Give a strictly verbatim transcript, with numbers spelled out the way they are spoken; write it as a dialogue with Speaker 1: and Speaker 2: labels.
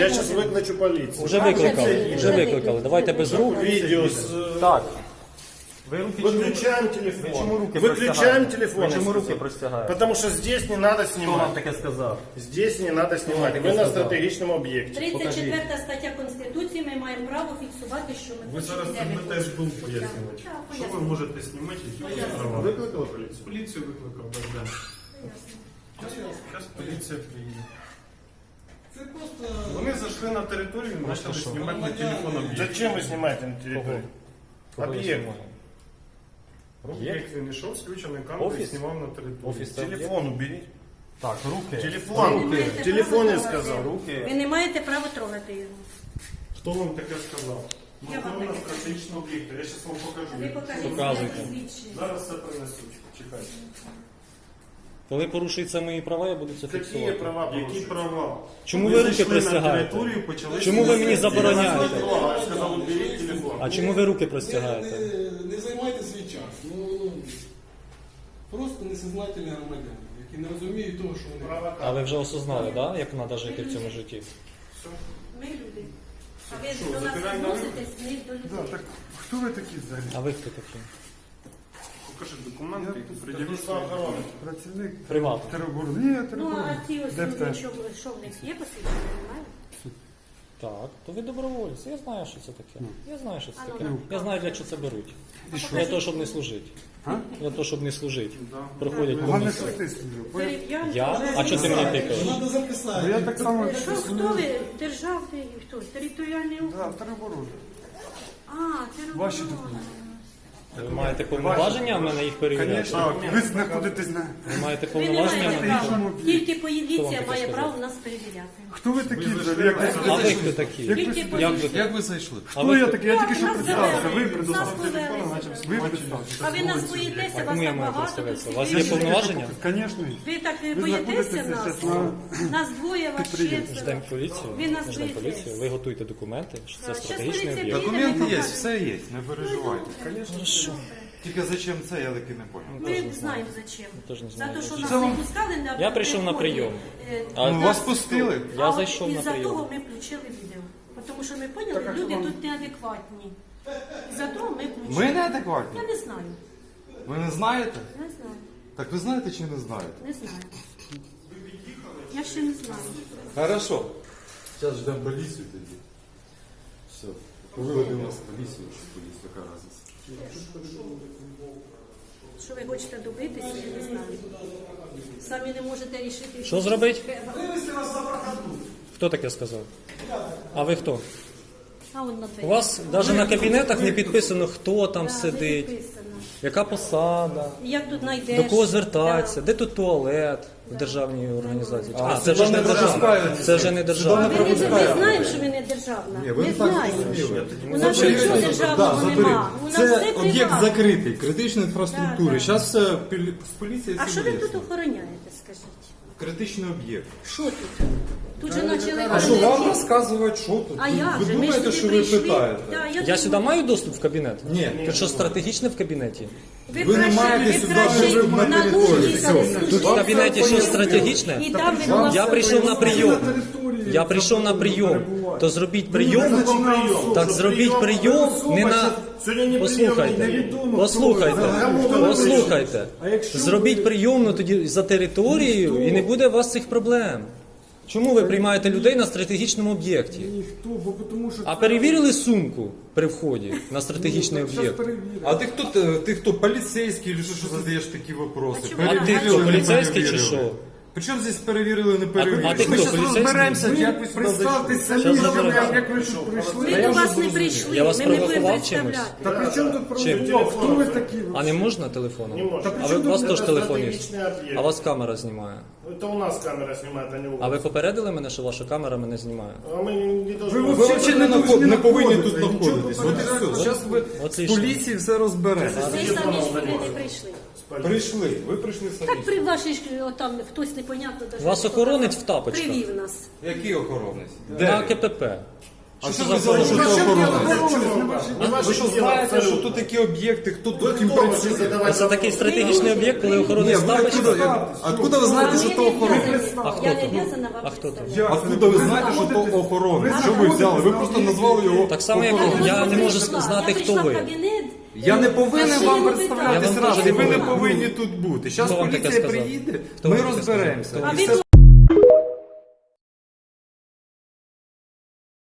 Speaker 1: Я сейчас викличу поліцію.
Speaker 2: Вже викликали, вже викликали. Давайте без рук.
Speaker 1: Відео з...
Speaker 2: Так. Ви руки
Speaker 1: Выключаем телефон.
Speaker 2: чому руки
Speaker 1: Выключаем
Speaker 2: простягаєте?
Speaker 1: телефон.
Speaker 2: Ви чому
Speaker 1: я
Speaker 2: руки
Speaker 1: сказал.
Speaker 2: простягаєте?
Speaker 1: Потому что здесь не надо
Speaker 2: Хто вам
Speaker 1: снимать.
Speaker 2: таке сказав?
Speaker 1: Здесь не надо снимать.
Speaker 2: таке
Speaker 1: Вы на
Speaker 2: сказав?
Speaker 1: стратегічному об'єкті.
Speaker 3: тридцять четверта стаття Конституції, ми маємо право фіксувати, що ми
Speaker 4: Ви зараз
Speaker 3: хочемо, де ми
Speaker 4: теж
Speaker 3: хочемо.
Speaker 4: був пояснювати.
Speaker 3: Так, так,
Speaker 4: Що ви
Speaker 3: пояснюю.
Speaker 4: можете знімати, які у вас
Speaker 3: Пояснюю.
Speaker 4: права?
Speaker 1: Викликали поліцію?
Speaker 4: Поліцію викликав, так, да. Зараз поліція приїде.
Speaker 5: Це просто
Speaker 4: Вони зайшли на територію і почали знімати на телефон об'єкт.
Speaker 1: Зачем вы снимаете на территорию?
Speaker 2: Кого я
Speaker 1: Об'єкт.
Speaker 2: знімаю?
Speaker 4: Об'єкт він йшов з включеною камерою і
Speaker 2: Офіс?
Speaker 4: знімав на територію.
Speaker 2: Офіс це
Speaker 1: Телефон уберите.
Speaker 2: Так, руки.
Speaker 1: Телефон.
Speaker 3: Ви не маєте
Speaker 1: Телефон я
Speaker 3: права
Speaker 1: сказал.
Speaker 3: трогати.
Speaker 2: Руки.
Speaker 3: Ви не маєте права трогати його.
Speaker 4: Хто вам таке сказав?
Speaker 3: Я вам
Speaker 4: Ми на
Speaker 3: таке
Speaker 4: стратегічного об'єкта. Я зараз вам покажу.
Speaker 3: Ви покажіть
Speaker 2: Показуйте.
Speaker 3: своє посвідчення.
Speaker 4: Зараз все принесуть. Чекайте.
Speaker 2: Коли порушуються мої права, я буду це
Speaker 1: Які
Speaker 2: фіксувати.
Speaker 1: права
Speaker 4: Які
Speaker 1: порушують?
Speaker 4: права?
Speaker 2: Чому ви руки
Speaker 4: зайшли на
Speaker 2: простягаєте?
Speaker 4: територію, почали
Speaker 2: Чому ви мені
Speaker 4: знімати?
Speaker 2: забороняєте?
Speaker 1: Я сказал, уберите телефон.
Speaker 2: А чому ви руки
Speaker 5: не,
Speaker 2: простягаєте?
Speaker 5: не, не займайте свій час. Ну, ну, просто несознательні громадяни, які не розуміють того, що вони.
Speaker 1: Права
Speaker 2: А ви вже осознали, да, як треба жити в цьому житті?
Speaker 3: Ми люди. А ви
Speaker 4: Що,
Speaker 3: до нас
Speaker 4: забираємо на
Speaker 3: відноситесь не до людей.
Speaker 4: Да, так хто ви такі взагалі?
Speaker 2: А ви хто такі?
Speaker 4: Покажи документи, пред'явіть
Speaker 1: Служба
Speaker 4: свої
Speaker 1: охорони.
Speaker 6: Працівник
Speaker 2: Приватно.
Speaker 6: тероборони. Ні,
Speaker 3: Ну,
Speaker 6: тероборони.
Speaker 3: а ці ось
Speaker 6: Де
Speaker 3: люди,
Speaker 6: теж?
Speaker 3: що, що в них є посвідчення, немає?
Speaker 2: Так, то ви добровольці. Я знаю, що це таке. Я знаю, що це
Speaker 3: А ну,
Speaker 2: таке.
Speaker 3: ну.
Speaker 2: Я знаю, для чого це беруть. Для того, щоб не служити.
Speaker 6: А?
Speaker 2: Для того, щоб не служити. Приходять по
Speaker 6: Головне,
Speaker 2: місцю.
Speaker 6: що ти служив.
Speaker 3: Дерев'янки.
Speaker 2: Я? А чого ти мені тикаєш?
Speaker 5: Треба записати.
Speaker 6: Я так само
Speaker 3: Що, хто ви? Державний, хто? Територіальний округ?
Speaker 6: Да, тероборони.
Speaker 3: А, територіальний.
Speaker 6: Ваші документи.
Speaker 2: Ви маєте повноваження в мене їх перевіряти?
Speaker 6: Звісно, ви знаходитесь на...
Speaker 2: Ви маєте
Speaker 3: Ви не
Speaker 2: повноваження в
Speaker 3: маєте
Speaker 2: мене?
Speaker 3: права. Тільки
Speaker 2: Хто
Speaker 3: поліція
Speaker 2: вам таке
Speaker 3: має
Speaker 2: сказав?
Speaker 3: право нас перевіряти.
Speaker 6: Хто ви такі взагалі? Як ви
Speaker 2: А
Speaker 6: сюди
Speaker 2: ви
Speaker 6: зайшли?
Speaker 2: хто такі?
Speaker 6: Як ви
Speaker 3: Тільки
Speaker 6: сюди?
Speaker 2: Як ви,
Speaker 3: поліція.
Speaker 2: як ви зайшли? А
Speaker 6: Хто
Speaker 2: ви
Speaker 6: я
Speaker 2: хто?
Speaker 6: такий? Я тільки що
Speaker 3: Нас
Speaker 6: представився.
Speaker 3: завели.
Speaker 6: Ви представився.
Speaker 3: Нас завели.
Speaker 6: Ви представився.
Speaker 3: А ви нас боїтеся, вас
Speaker 2: Кому я
Speaker 3: так
Speaker 2: маю
Speaker 3: багато.
Speaker 2: представитися?
Speaker 3: тут
Speaker 2: У вас є
Speaker 3: сидить.
Speaker 2: повноваження?
Speaker 6: Звісно.
Speaker 3: Ви так
Speaker 6: Ви
Speaker 3: боїтеся
Speaker 6: знаходитеся
Speaker 3: нас?
Speaker 6: зараз на...
Speaker 3: Нас двоє, вас
Speaker 6: Підприємстві.
Speaker 3: четверо.
Speaker 2: Ждемо поліцію.
Speaker 3: Ви нас
Speaker 2: Ждемо
Speaker 3: боїтесь.
Speaker 2: поліцію. Ви готуйте документи, що це
Speaker 3: Так, щас
Speaker 2: стратегічний
Speaker 3: поліція
Speaker 2: об'єкт.
Speaker 3: приїде,
Speaker 7: Документы
Speaker 3: ми
Speaker 7: есть,
Speaker 3: покажемо.
Speaker 7: все есть, не переживайте.
Speaker 2: Хорошо.
Speaker 7: Тільки зачем це, я таки не понял.
Speaker 3: Ми не знаємо зачем.
Speaker 2: теж не
Speaker 3: За
Speaker 2: знаю,
Speaker 3: те, що
Speaker 2: зачем.
Speaker 3: нас
Speaker 7: Це
Speaker 3: не
Speaker 7: вам-
Speaker 3: пускали на
Speaker 2: Я прийшов на
Speaker 3: приході,
Speaker 2: прийом.
Speaker 3: е,
Speaker 2: А
Speaker 7: Ну,
Speaker 3: нас-
Speaker 7: вас пустили?
Speaker 2: Я
Speaker 3: а
Speaker 2: зайшов
Speaker 3: от
Speaker 2: на
Speaker 3: із-за
Speaker 2: прийом.
Speaker 3: того ми включили відео. Тому що ми поняли, люди тут неадекватні. За того ми включили.
Speaker 7: Ми неадекватні?
Speaker 3: Я не знаю.
Speaker 7: Ви не знаєте?
Speaker 3: Не знаю.
Speaker 7: Так ви знаєте чи не знаєте?
Speaker 3: Не знаю. Я ще не знаю.
Speaker 7: Хорошо. Зараз ждемо поліцію тоді. Все. Виведемо нас поліцію, чи поліція, яка разниця.
Speaker 3: Що ви хочете добитися, я не знаю. Самі не можете рішити.
Speaker 2: Що зробити? Хто таке сказав? А ви хто?
Speaker 3: А он на
Speaker 2: У вас навіть на кабінетах не підписано, хто там
Speaker 3: Да, не
Speaker 2: сидить,
Speaker 3: підписано.
Speaker 2: яка посада,
Speaker 3: Як тут знайдеш?
Speaker 2: до кого звертатися,
Speaker 3: Да.
Speaker 2: де тут туалет в державній організації.
Speaker 7: А,
Speaker 2: А, це вже ж не
Speaker 7: сюди не
Speaker 2: державна.
Speaker 7: пропускають.
Speaker 2: Це вже не
Speaker 3: А
Speaker 2: державна.
Speaker 3: ви не, ми знаємо, що ви не державна.
Speaker 7: Ні, ви
Speaker 3: не
Speaker 7: не так
Speaker 3: знаємо.
Speaker 7: зрозуміли.
Speaker 3: У нас нічого державного нема. У нас
Speaker 7: Це
Speaker 3: все
Speaker 7: об'єкт
Speaker 3: приватне.
Speaker 7: закритий, критичної інфраструктури.
Speaker 3: Да, да.
Speaker 7: Зараз все пілі- з поліції
Speaker 3: А
Speaker 7: все
Speaker 3: що ви
Speaker 7: вияснить.
Speaker 3: тут охороняєте, скажіть?
Speaker 7: Критичний об'єкт.
Speaker 3: Що тут? Тут же почали
Speaker 7: А що вам
Speaker 3: охороняти.
Speaker 7: розказувати, що тут?
Speaker 3: А як
Speaker 7: ви
Speaker 3: же? Ми ж
Speaker 7: думаєте,
Speaker 3: сюди
Speaker 7: що ви
Speaker 3: прийшли.
Speaker 7: питаєте?
Speaker 3: Да,
Speaker 2: Я
Speaker 3: думаю,
Speaker 2: сюди маю доступ в кабінет?
Speaker 7: Ні.
Speaker 2: Тут що стратегічне в кабінеті?
Speaker 3: Ви,
Speaker 7: ви не
Speaker 3: краще,
Speaker 7: маєте
Speaker 3: ви
Speaker 7: сюди
Speaker 3: краще
Speaker 7: вже на
Speaker 3: на нуль
Speaker 7: територію.
Speaker 3: їхали
Speaker 7: Все.
Speaker 3: служити.
Speaker 2: Тут в кабінеті що стратегічне?
Speaker 3: І там ви була
Speaker 2: Я прийшов на прийом. Я прийшов на прийом. То зробіть прийом. Так зробіть прийом не на.
Speaker 1: Сьогодні не
Speaker 2: Послухайте, послухайте, послухайте. Зробіть прийомну тоді за територією і не буде у вас цих проблем. Чому ви приймаєте людей на стратегічному об'єкті?
Speaker 6: Ніхто, бо тому що...
Speaker 2: А перевірили сумку при вході на стратегічний об'єкт?
Speaker 7: А ти хто, ти, ти хто, поліцейський, чи що, що задаєш такі вопроси?
Speaker 3: А чому?
Speaker 2: А ти хто, поліцейський чи що?
Speaker 7: Причому здесь перевірили, не перевірили?
Speaker 2: а ти
Speaker 7: Ми
Speaker 2: хто,
Speaker 7: щас
Speaker 2: поліцейський?
Speaker 7: розберемося, як ви сюди
Speaker 6: Представтесь
Speaker 7: зайшли.
Speaker 6: самі,
Speaker 2: Щас
Speaker 6: що ви,
Speaker 2: розберемося.
Speaker 6: як ви що прийшли.
Speaker 3: Ми до вас не прийшли,
Speaker 2: Я вас
Speaker 3: ми не будемо
Speaker 2: провокував чимось?
Speaker 3: представляти.
Speaker 6: Та при чому тут
Speaker 2: Чим?
Speaker 6: проводять? Хто ви такі?
Speaker 2: А не можна телефоном?
Speaker 1: Не можна.
Speaker 2: А ви, у вас
Speaker 1: Це
Speaker 2: теж телефон є?
Speaker 1: стратегічний об'єкт.
Speaker 2: А у вас камера знімає.
Speaker 1: Это у нас камера снимает, а не у вас.
Speaker 2: А ви попередили мене, що ваша камера мене знімає?
Speaker 1: А мы не должны...
Speaker 6: Ви
Speaker 7: Ви
Speaker 6: взагалі
Speaker 7: взагалі не,
Speaker 6: не
Speaker 7: наход- не повинні
Speaker 6: знаходитесь,
Speaker 7: тут
Speaker 6: нічого
Speaker 7: знаходитись. От і все.
Speaker 6: попередити.
Speaker 7: Зараз ви
Speaker 2: От
Speaker 7: з
Speaker 2: і що.
Speaker 7: поліції все розберете.
Speaker 3: Ви самі сюди не прийшли.
Speaker 7: Прийшли, ви прийшли самі.
Speaker 3: Так при вашій ж там хтось непонятно даже.
Speaker 2: Вас охоронець в тапочках.
Speaker 3: Привів нас.
Speaker 7: Який охоронець?
Speaker 2: На
Speaker 7: Де?
Speaker 2: КПП.
Speaker 7: А
Speaker 2: Що
Speaker 7: що
Speaker 2: це
Speaker 7: ви
Speaker 2: за
Speaker 7: взяли, що
Speaker 2: охорона?
Speaker 7: це охорона?
Speaker 1: Не
Speaker 7: Ви що знаєте, що тут такі об'єкти, хто тут їм працює?
Speaker 2: А це такий стратегічний об'єкт, коли
Speaker 7: Ні,
Speaker 2: охоронець
Speaker 7: ви
Speaker 2: ставить.
Speaker 7: откуда, откуда ви знаєте, що то охорона?
Speaker 2: А хто
Speaker 3: Я не
Speaker 2: то?
Speaker 3: обязана
Speaker 2: А
Speaker 3: вам
Speaker 2: хто то?
Speaker 3: представляти.
Speaker 7: Откуда ви знаєте, що то охорона? Що ви взяли? Ви просто назвали його
Speaker 2: Так само, як
Speaker 7: охороною.
Speaker 2: я не можу
Speaker 3: прийшла,
Speaker 2: знати,
Speaker 3: я
Speaker 2: хто
Speaker 3: прийшла в
Speaker 2: ви.
Speaker 3: кабінет,
Speaker 7: Я не повинен
Speaker 3: машини
Speaker 7: вам
Speaker 3: не
Speaker 7: представлятись
Speaker 2: Я вам
Speaker 7: раз,
Speaker 2: теж
Speaker 7: і
Speaker 2: не
Speaker 7: ви не
Speaker 2: повинен.
Speaker 7: повинні тут бути. Зараз
Speaker 2: Хто вам таке
Speaker 7: поліція
Speaker 2: сказав?
Speaker 7: приїде,
Speaker 2: Хто
Speaker 7: ми
Speaker 2: вам таке
Speaker 7: розберемося.
Speaker 2: сказав?
Speaker 3: А
Speaker 7: І
Speaker 3: ви
Speaker 7: все